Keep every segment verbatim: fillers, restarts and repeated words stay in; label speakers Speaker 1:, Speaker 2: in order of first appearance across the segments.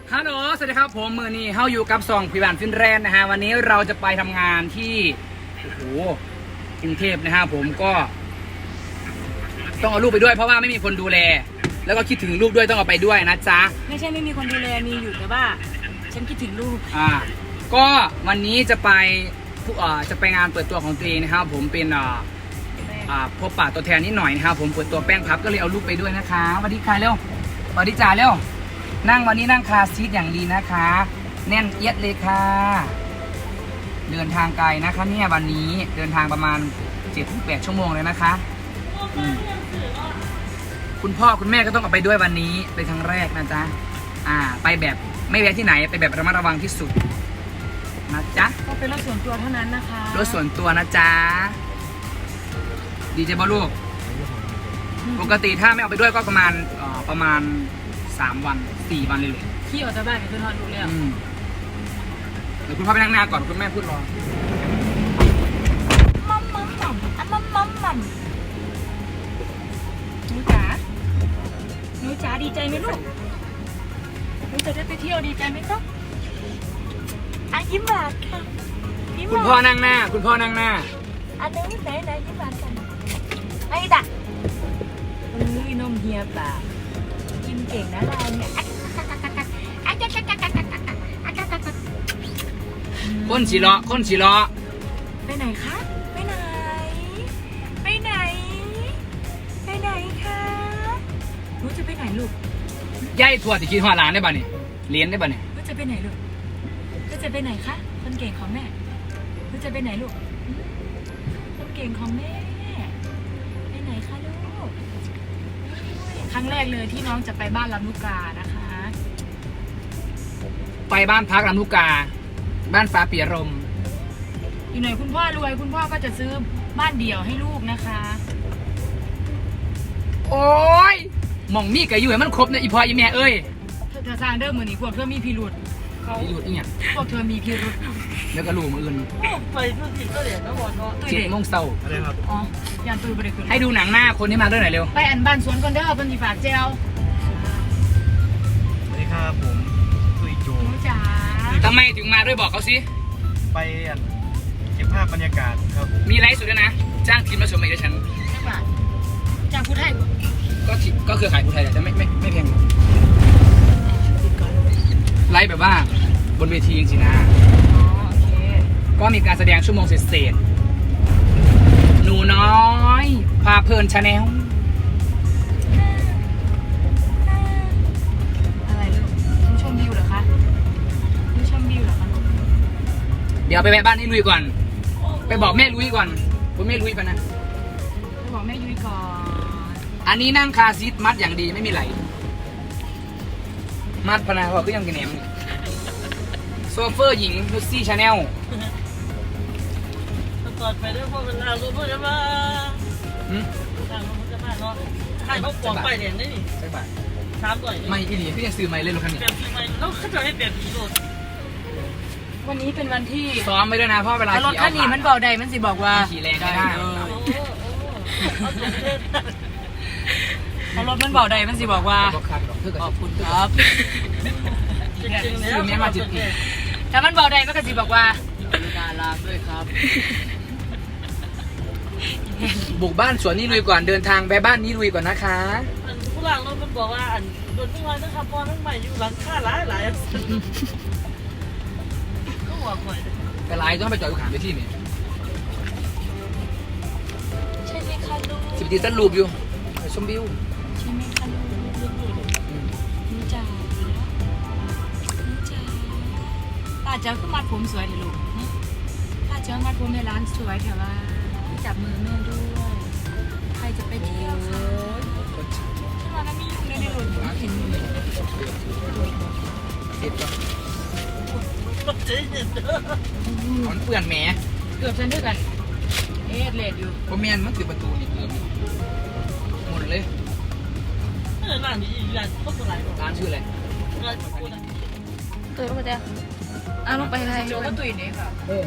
Speaker 1: ฮัลโหลสวัสดีครับผมมือนี้เฮาอยู่กับซองพิบานฟินแรนนะฮะวันนี้เราจะไปทำงานที่โอ้โหกรุงเทพนะฮะผมก็ต้องเอาลูกไปด้วยเพราะว่าไม่มีคนดูแลแล้วก็คิดถึงลูกด้วยต้องเอาไปด้วยนะจ๊ะ
Speaker 2: ไม่ใช่ไม่มีคนดูแลมีอยู่แต่ว่าฉันคิดถึงลูก
Speaker 1: อ่าก็วันนี้จะไปผู้อ่าจะไปงานเปิดตัวของตัวเองนะครับผมเป็นอ่าอ่าพบปะตัวแทนนิดหน่อยนะครับผมเปิดตัวแป้งพับก็เลยเอาลูกไปด้วยนะคะสวัสดีค่ะเร็วสวัสดีจ่าเร็วนั่งวันนี้นั่งคาร์ซีทอย่างดีนะคะแน่นเอียดเลยค่ะเดินทางไกลนะคะเนี่ยวันนี้เดินทางประมาณ เจ็ดถึงแปด ชั่วโมงเลยนะคะอืมคุณพ่อคุณแม่ก็ต้องเอาไปด้วยวันนี้เป็นครั้งแรกนะจ๊ะอ่าไปแบบไม่แวะที่ไหนไปแบบระมัดระวังที่สุดนะจ๊ะ
Speaker 2: ก็เป็นรถส่วนตัวเท่านั้นนะคะ
Speaker 1: รถส่วนตัวนะจ๊ะดีเจบอลลูกปกติถ้าไม่เอาไปด้วยก็ประมาณเอ่อประมาณสามวันสี่วันเลยเลย
Speaker 2: ขี่ออกจากบ้านกับเพื่อนทอดลูกแล้ว
Speaker 1: อืมเดี๋ยวคุณพ่อไปนั่งหน้าก่อนคุณแม่พูดรอ
Speaker 2: มัมมัมมัมอ่ะมัมมัมมัมหนูจ๋าหนูจ๋าดีใจไหมลูกหนูจะได้ไปเที่ยวดีใจไหมครับอ่ะยิ้มหวานค่ะยิ้มห
Speaker 1: คุณ
Speaker 2: วาน
Speaker 1: พ่อนั่งหน้า คุณพ่อนั่งหน้า
Speaker 2: อันนี้ไหนไหนยิ้มหวานกันไอ้ด่ะอุ้ยนมเฮียป่ากินเก่งนะเราเนี่ย
Speaker 1: คนสีเลาะคนสีเลาะ
Speaker 2: ไปไหนคะไปไหน ไปไหน ไปไหนคะหนูจะไปไหนลูก
Speaker 1: ย่ายถั่วติคิดหัวหลานได้ป่ะนี่เลี้ยนได้ป่ะนี่
Speaker 2: หนูจะไปไหนลูกหนูจะไปไหนคะคนเก่งของแม่หนูจะไปไหนลูกหืมคนเก่งของแม่ไปไหนคะลูกครั้งแรกเลยที่น้องจะไปบ้านลำลูกกานะคะ
Speaker 1: ไปบ้านพักลำลูกกา บ้านฟ้าเปียรม
Speaker 2: อีกหน่อยคุณพ่อรวยคุณพ่อก็จะซื้อบ้านเดี่ยวให้ลูกนะคะ
Speaker 1: โอ้ยหม่องมีกับอยู่ให้มันครบนะอีพ่ออีแม่เอ้ย
Speaker 2: เธอจะสร้างเดิมมือนี้พวกเธอมีพิรุษเขา
Speaker 1: อีหยุดอีเนี่ย
Speaker 2: พวกเธอมีพิรุษ
Speaker 1: แล้วก็ลูกมืออื่น
Speaker 2: ไปทุกทีก็เหรียญก็หมดเนาะตุ้ย
Speaker 1: เจ็ด
Speaker 2: เด็ก
Speaker 1: โมงเช้า
Speaker 3: อะไรครับ
Speaker 2: อ๋อยันตุ้ยบริคุณ
Speaker 1: ให้ดูหนังหน้าคนที่มาด้วยหน่อยเร็ว
Speaker 2: ไปอันบ้านสวนก่อนเด้อเพิ่นสิฝากเจล
Speaker 3: สวัสดีครับผมตุยโจ
Speaker 2: หนูจ๋า
Speaker 1: ทำไมถึงมาด้วยบอกเขาสิ
Speaker 3: ไปอันเก็บภาพบรรยากาศครับ
Speaker 1: มีไลฟ์สดด้วยนะ จ้างทีมมาชมมาอีกฉัน
Speaker 2: สักบาทจากผู้ไทย
Speaker 1: ก็ที่ก็คือขายผู้ไทยแหละแต่ไม่ไม่ไม่แพงหรอก
Speaker 2: ติดก่อน
Speaker 1: ไลฟ์แบบว่าบนเวทีจริงๆนะ
Speaker 2: อ๋อโอเค
Speaker 1: ก็มีการแสดงชั่วโมงเศษๆหนูน้อยพาเพลินชาแนล
Speaker 2: อะไรลูกหนูชมวิวเหรอคะหนูชมวิวเหรอคะลูก
Speaker 1: เดี๋ยวไปแวะบ้านนี่ลุยก่อน ไปบอกแม่ลุยก่อนคุณแม่ลุยไปนะ
Speaker 2: ไปบอกแม่ยุ้ยก่อน
Speaker 1: อันนี้นั่งคาซีทมัดอย่างดีไม่มีไหล มัดพนาว่าก็ยังกินแหนมนี่โซเฟอร์หญิงนุชซี่ชาแนล
Speaker 4: ก่อนไปด้วยพวกมันลาวรู้พวกจะมาทางพวกจะมาเนาะใครเขาปอกไปเนี่ยนี่
Speaker 1: ใช่ป่ะ
Speaker 4: สามต่อย
Speaker 1: ไม่อีหลีพี่ยังซื้อไม่เล่นรถคันนี้
Speaker 4: เปลี่ยนปีใหม่แล้วเขาจะให้เปลี่ยนปีโดด
Speaker 2: วันนี้เป็นวันที่
Speaker 1: ซ้อมไม่ด้วยนะเพราะเวลา
Speaker 2: แล้วรถ
Speaker 1: ขี่
Speaker 2: คันนี้มันเบาใดมันสิบอกว่า
Speaker 1: ขี่แรงไม่ได้
Speaker 2: เออ
Speaker 4: โอ้โหเอาตัวเล่น
Speaker 2: เพราะรถมันเบาใดมันสิบอกว่า
Speaker 1: บอกคันหรอกเพื่อ
Speaker 2: ข
Speaker 1: กั
Speaker 2: อ
Speaker 1: บบ
Speaker 2: คุณครับ
Speaker 4: จริงๆแล้ว
Speaker 2: ถ้ามันเบาใดมันก็สิบอกว่าน่ารักด้วยครับ
Speaker 1: บุกบ้านสวนนี่ลุยก่อนเดินทางไปบ้านนี้ลุยก่อนนะคะ
Speaker 4: ผู้หลังเรามันบอกว่าอันโดนทุกวันนะครับพอทั้งใหม่อยู่หลังค่าหลายหลายก็หัวข่อย
Speaker 1: แต่ไลน์ต้องไปจอดอยู่ขางไปที่นี่
Speaker 2: ใช่ไหมคะลูก
Speaker 1: สิบตีตันรูปอยู่ไปชมวิว
Speaker 2: ใช่ไหมคะลูกหนูจ๋าหนูจ๋าป้าเจ้าคือมัดผมสวยเถอะลูกฮะป้าเจ้ามัดผมในร้านสวยเถอะว่าจับมือแม่ด้วย ใครจะไปเที่ยวคะที่มาแล้วมียุงเลยในรถเห็นอยู่
Speaker 1: เสร็จก่อน
Speaker 4: รถเจ๊เนี่ย
Speaker 1: มันเปื่อนแหม
Speaker 2: เกือบฉันด้วยกัน เอ๊ะเลดอยู่
Speaker 1: เพราะแมนมันคือประตูนี่เกือบหมดเลย
Speaker 4: ร้านนี้ร้านพวกอะไร
Speaker 1: ร้านชื่ออะไร
Speaker 4: ร้านกูนะ
Speaker 2: ตื่นมาเจ้าอ่ะลงไปอะไรโจ้ก็ตุยนี่ค่ะ
Speaker 1: เออ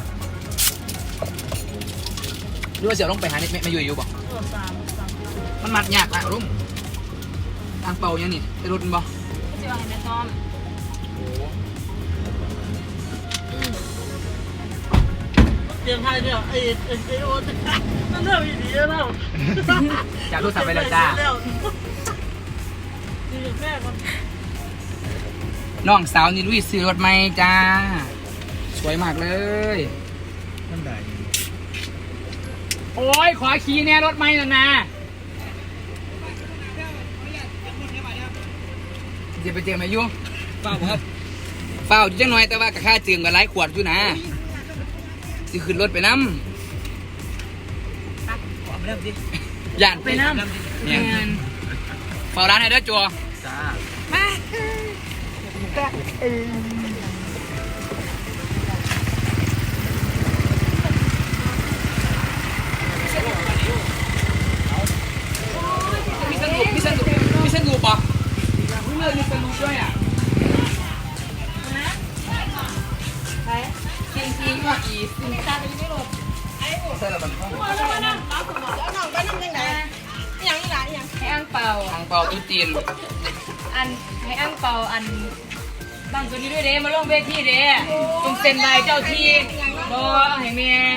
Speaker 1: หรือว่าเสี่ยวลงไปหานี่ไม่ไม่อยู่อยู่บอก
Speaker 4: ตัวสามสาม
Speaker 1: มันมัดยากนะรุ่มทางเป่ายังนี่ไปรถมันบ่
Speaker 2: ก็จะเอาให้แม่ซ้อม
Speaker 4: เตรียมไทยเนี่ยไอ้ไอ้ไอ้โอ๊ตนั่นเรื่องดีๆแล้ว
Speaker 1: จากรูปสับไปแล้วจ้า
Speaker 4: ดีแม่ก่อน
Speaker 1: น้องสาวนี่ลุยซื้อรถไหมจ้า สวยมากเลย
Speaker 3: มันได้
Speaker 1: โอ้ยขอขี่แน่รถไหมนะนะจะไปเจอไหมยุ่ง
Speaker 3: เปล่าครับ
Speaker 1: เฝ้าอยู่จังหน่อยแต่ว่ากับค่าเจืองกับไร้ขวดอยู่นะสิขึ้นรถไปน้
Speaker 3: ขอไปเริ่มดิ
Speaker 1: ำย่านไปน้ำเนี่ยเฝ้าร้านให้เด้อจัว
Speaker 3: จ้า
Speaker 1: มีสนุกมีสนุกมีสนุกปะเลิกมีสนุกด้วยอ่ะจริงจริงว่าอีสินค้าเป็นไม่หลบไอ้ใช่แล้วมัน
Speaker 2: ให้อังเปา
Speaker 1: ทางเป่าตุ้จีน
Speaker 2: อันให้อังเปาอันบางตัวนี้ด้วยเด้มาลงเวทีเด้ตรงเซ็นใบเจ้าที่บอให้เมีย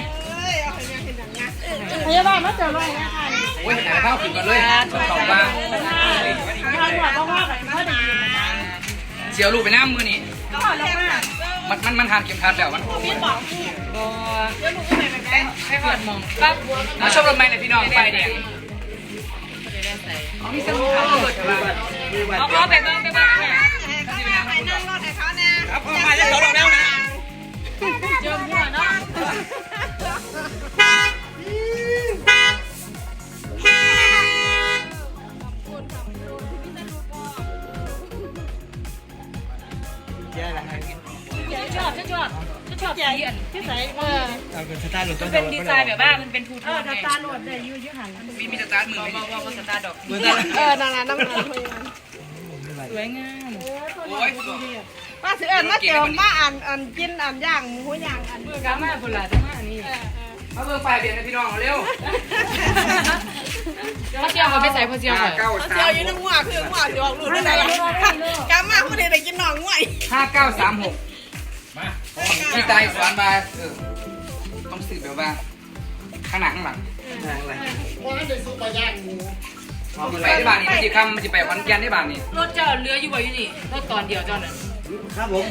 Speaker 4: พยาบาลมาเจอเลยนะคะ
Speaker 1: โอ้ยแต่ข้าวขึ้นก่อนเลยสองบาท
Speaker 4: ทางหัวต้องว่าแบบเขาได้ยินนะ
Speaker 1: เสียวลูกไปน้ำมือนี่
Speaker 4: ก็ลงมา
Speaker 1: มันมันมันทานเข็มขัดแล้วมัน
Speaker 4: พี่บอก
Speaker 2: บอ
Speaker 4: เดี๋ยวหนูก็ไปแบบนี้
Speaker 2: ให้หอดมองปั๊บ
Speaker 1: มาชมรถไหมเนี่ยพี่น้องไฟแดงอ๋อมีสนุกครับเปิดบ้าน
Speaker 2: เอาเอาไปบ้างไปบ้างเนี่ย
Speaker 4: ไปนั่งรถให้เขาเนี่ย
Speaker 1: ครับพอมาแล้วเราแล้วนะ
Speaker 2: เจิมหัวเนาะ
Speaker 3: แย่ละฮะ
Speaker 2: ชอบฉันชอบฉันชอบสีอัน
Speaker 4: ที่ใส่เออ
Speaker 3: เอาเป็นสตาร์ทหลุดต้
Speaker 2: มัน น
Speaker 3: เดี
Speaker 2: เป็
Speaker 3: ย
Speaker 2: น
Speaker 3: ว
Speaker 2: ดีไซน์แบบว่ามันเป็นทูโท
Speaker 4: เออน
Speaker 2: ไง
Speaker 4: ตาหนวดเนี่ยยืดยืดหัน
Speaker 1: มีมีสตาร์ทมือ
Speaker 2: บอก
Speaker 1: ไหม
Speaker 2: บอกว่าสตาร์ดอก
Speaker 3: มือตา
Speaker 4: เออนั่นแหละน้ำมัน
Speaker 2: สวยงาม
Speaker 1: โอ้ย
Speaker 4: มาซื้ออันมาเจอมาอ่านอ่านกินอ่านย่างหมูย่างอัน
Speaker 2: เมื่อกามาบุหรี่จังมาอันนี้
Speaker 1: มาเบิ่งไฟเบียดนะพี่น้องเร็ว
Speaker 2: พ่อเจียวเขาไปใส่พ่อเจียว
Speaker 1: ห้า
Speaker 2: เขา
Speaker 1: เก้า
Speaker 4: เขา
Speaker 1: สา
Speaker 4: เจียว
Speaker 1: ม
Speaker 4: อยู่น้ำงัวคืองัวจะออกลูกได้ไหมล่ะกำมาผู้ใดได้กินหนองงัว
Speaker 1: ห้าเก้าสามหกพี่ตายสอนมาเออต้องสืบแบบว่าข้างหน้าข้างหลัง
Speaker 3: อะไร
Speaker 1: มันไปที่บ้านนี่มันจะคำมันจะไปขอนแก่นที่บ้านนี่
Speaker 2: รถเจ้าเรืออยู่บ่อยู่นี่รถตอนเดียวเจ้าน่ะ
Speaker 3: ครับผม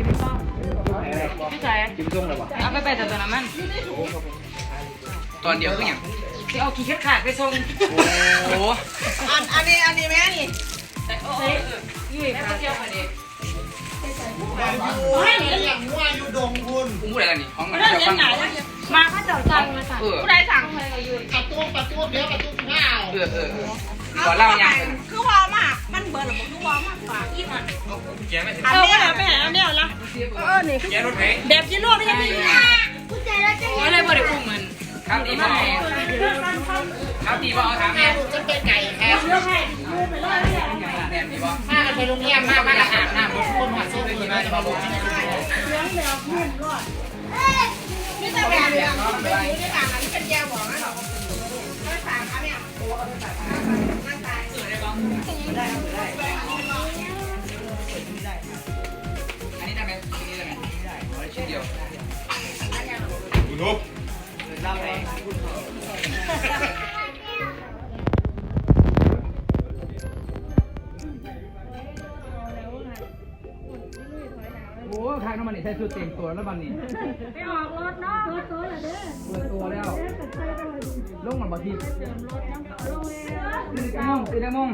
Speaker 2: พี่ชาย
Speaker 3: จิ้มส้มเลยวะ
Speaker 2: เอาไปไปแต่ตัวนั้นมัน
Speaker 1: ตอนเดียวคืออย่าง
Speaker 2: ที่เอาขี้เข็ดขาดไปส่ง
Speaker 1: โอ้โห
Speaker 4: อันอันนี้อันนี้แม่นี่
Speaker 2: แต่โอ้ยยุ่ยพ่อเจียวค่ะเด็ก
Speaker 4: ให้หนี
Speaker 1: อุ้มผู้ใดล่ะนี่ของมัน
Speaker 4: เรื่อง
Speaker 1: จะ
Speaker 4: เลี้ย
Speaker 1: ฟั
Speaker 4: ง
Speaker 1: ง
Speaker 4: หนาแล้วมาเขาเจ้าสั่งมาสั่ง
Speaker 1: เออ
Speaker 4: ผู้ใดสั่ง
Speaker 1: เออเออก่อนเล่าอย่าง
Speaker 4: คือวอมากมันเบิร์ดหรือคือวอมากฝากอีมัน
Speaker 1: แกไม่ถึง
Speaker 4: อันนี้เหรอไปหาอันนี้เหรอเออนี่
Speaker 1: แกรถไหน
Speaker 4: แบบยีโร่ไม่ใช่มี
Speaker 2: โอ้ยเลยบ่ได้อุ้มมัน
Speaker 1: ครับตีบ่ครับตีบ่เอาถามแม่
Speaker 4: จะเป็นไก่แค่เลือกให้มือไปเลยเนี่ย
Speaker 1: แม่ตีบ่
Speaker 2: มาไปโรงเรียนมามาอาบน้ำคนหัวซุป
Speaker 1: ตีมาตีบ่บอก
Speaker 4: เลี้ยงแบบเพื่อนรอดนี่แต่แบบนี้ไม่ได้ต่างกันเป็นแก้วบอกนะหรอไม่ต่างกันเนี่ยนั่งตาย
Speaker 1: อันนี้ได้ไหมอันนี้ได้ไหมได้ชิ้นเดียว
Speaker 3: คุณนุ๊ก
Speaker 1: โอ้ทางน้ำมันนี่ใช้ชุดเต็มตัวแล้วมันนี่
Speaker 4: ไปออกรถเนาะรถตัวเหรอเด้อ
Speaker 1: เปิดตัวแล้วลงมันบ่ทีตื่นได้มงตื่นได้มง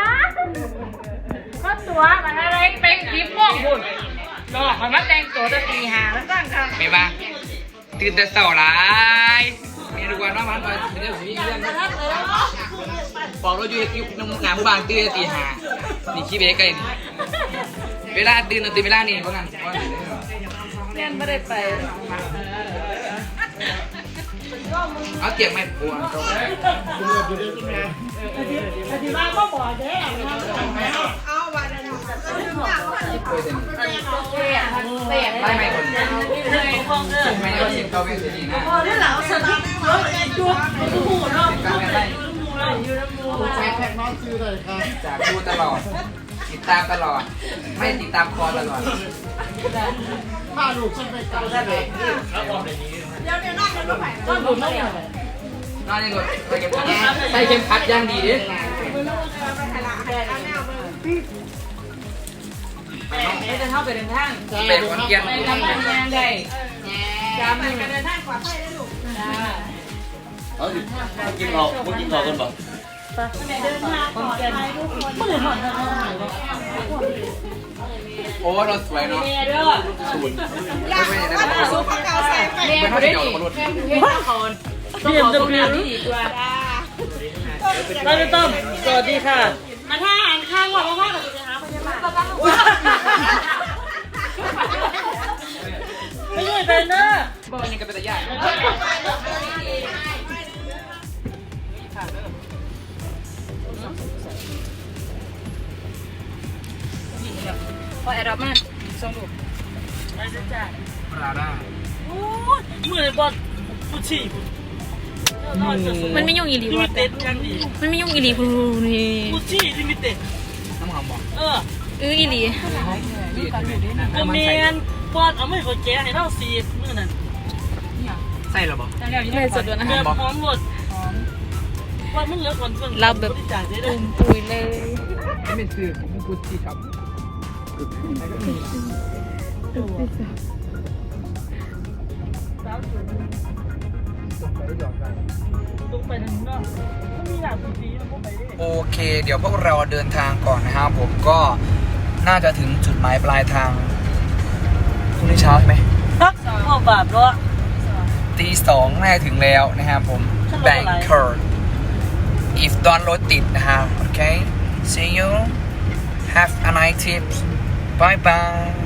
Speaker 2: ก็ตัวมันอะไรเป็นคลิปม่วงบุญดอกมันมาแต่งตัวจะตีหาแล้วสร้างกัน
Speaker 1: ไม่บ้าตื่นแต่เช้าหลายเมียดูว่าน้องมันก็เรื่องมีเรื่องบอกเราอยู่ยุคน้ำงานผู้บางตื่นตีห้านี่ขี้เบ๊กเลยเวลาตื่นตื่นเวลานี่เพราะงั้น
Speaker 2: เรียนไม่ได้ไป
Speaker 1: เอาเตียงไม่ปวด
Speaker 4: แต่ที่บ้านก็บอกเด้เอาวันนั้น
Speaker 1: ไม่ไม่คนไม่ได้สิบเก้าเวทีนะ
Speaker 4: พอได้แล้วสนามรถจุ๊บดูหูเนาะ
Speaker 1: จากดูตลอดติดตามตลอด ไม่ติดตามคอตลอด
Speaker 3: ถ้าลูกฉันไปเกาได้เลยแล้วความแบบนี้
Speaker 4: เดี๋ยวเดี๋ยวนั่งกันลูกไผ่
Speaker 2: ต้องดูไม่เหรอน
Speaker 1: อนในรถใส่เข็มขัดใส่เข็มขัดย่างดีดิ
Speaker 4: ไปไผ่ละไผ่ละแนวมึง
Speaker 2: ไม่จะเข้าไปเดินทาง
Speaker 1: ไปขอนแก่น
Speaker 2: ไปทำงานยังได้
Speaker 4: จำมันกันเดินทางปลอดภัยนะลูก
Speaker 3: เอาสิกินเราไม่กินเรากันบ่
Speaker 4: เดินทางปลอดภัยทุกคน
Speaker 2: ไม่ได้ผ่อนทางไหน
Speaker 1: โอ้รถสวยเนาะ
Speaker 2: เมียด้วย
Speaker 4: อยากว่าหนูสู้ข้าวเก่าใส่ไป
Speaker 2: เมียไม่ได้ดิเมียเขาต้องขอคุณงานที่ดีกว่า
Speaker 4: เราจะต้อง
Speaker 2: สวัสดีค่ะ
Speaker 4: มาท่าหันข้างว่าพ่อกับจะหาพยาบาล
Speaker 2: ไม่ใช่เป็นเนอะ
Speaker 1: บอกยังกับเป็นตะยาก
Speaker 2: พอแอร์ดรอปมาส่งรูป
Speaker 4: มาจ้ะ
Speaker 1: ปลาด้า
Speaker 5: มือบอลกูฉี่
Speaker 2: มันไม่ยุ่งอีหลี
Speaker 5: ลิ
Speaker 2: วะ
Speaker 5: มิเต็ดยังดี
Speaker 2: มันไม่ยุ่งอีหลีคุณนี่
Speaker 5: กูฉี่ลิมิเต็ด
Speaker 1: น้ำหอมบอก
Speaker 5: เออ
Speaker 2: เอออีหลี
Speaker 5: ก็เมียนบอลเอาไม่เขาแก้ให้เราสีมือนั่น
Speaker 1: ใส่หรอบอก
Speaker 2: ไม่สดด้วยนะ
Speaker 5: แบบหอมหมดว่ามันเหลือก่อนเพิ่ง
Speaker 2: เราแบบ
Speaker 5: จ่ายได้
Speaker 2: ตุ่มปุยเลย
Speaker 1: ไม่เป็นสื่อของกุจิครับ
Speaker 5: ตรงไปทางนอกมันมีหลายพื้นที่มันก็ไปได้
Speaker 1: โอเค เดี๋ยวพวกเราเดินทางก่อนนะครับผมก็น่าจะถึงจุดหมายปลายทางพรุ่งนี้เช้าใช่ไหม
Speaker 5: พ่อบาปเนาะ
Speaker 1: ตีสองน่าจะถึงแล้วนะครับผม
Speaker 5: ฉันรถอะไร
Speaker 1: Bangkok if ตอนรถติดนะฮะโอเค see you have a nice trip bye bye